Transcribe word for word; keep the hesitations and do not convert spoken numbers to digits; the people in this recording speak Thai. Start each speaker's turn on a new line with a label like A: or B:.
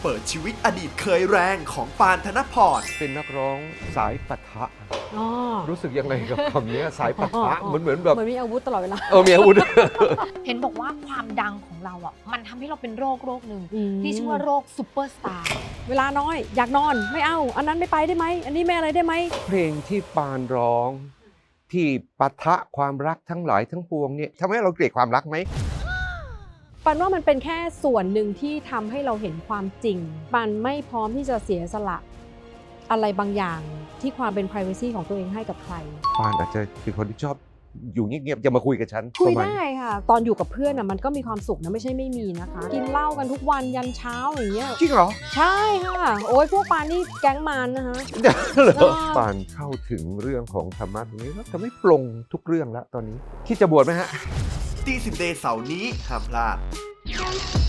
A: เปิดชีวิตอดีตเคยแรงของปานธนพร
B: เป็นนักร้องสายปะทะ
C: อ๋อ
B: รู้สึกยังไงกับคำนี้สายปะทะเหมือนเหมือนแบบ
C: เหมือนมีอาวุธตลอดเวลา
B: เออมีอาวุธ
D: เห็นบอกว่าความดังของเราอ่ะมันทำให้เราเป็นโรคโรคหนึ่ง
C: อืม
D: ที่ชื่อว่าโรคซูเปอร์สตาร์
C: เวลาน้อย อยากนอนไม่เอา อันนั้นไม่ไปได้ไหม อันนี้ไม่อะไรได้ไหม
B: เพลงที่ปานร้อง ที่ปะทะความรักทั้งหลายทั้งปวงเนี่ยทำให้เราเกลียดความรักไหม
C: ปันว่ามันเป็นแค่ส่วนหนึ่งที่ทำให้เราเห็นความจริง ปันไม่พร้อมที่จะเสียสละอะไรบางอย่างที่ความเป็น privacy ของตัวเองให้กับใคร
B: ปานอาจจะเป็นคนที่ชอบอยู่เงียบๆจะมาคุยกับฉัน
C: คุย
B: ประมาณ
C: ได้ค่ะ ตอนอยู่กับเพื่อนอ่ะมันก็มีความสุขนะไม่ใช่ไม่มีนะคะ กินเหล้ากันทุกวันยันเช้าอย่างเงี้ย
B: จริงเหรอ
C: ใช่ค่ะ โอ้ยพวกปานนี่แก๊งมันนะคะ
B: เหรอ
C: เออ
B: ปานเข้าถึงเรื่องของธรรมะตรงนี้แล้วจะไม่ปลงทุกเรื่องแล้วตอนนี้คิดจะบวชไหมฮะ
A: ตีสิบเดย์เสาร์นี้ห้ามพลาด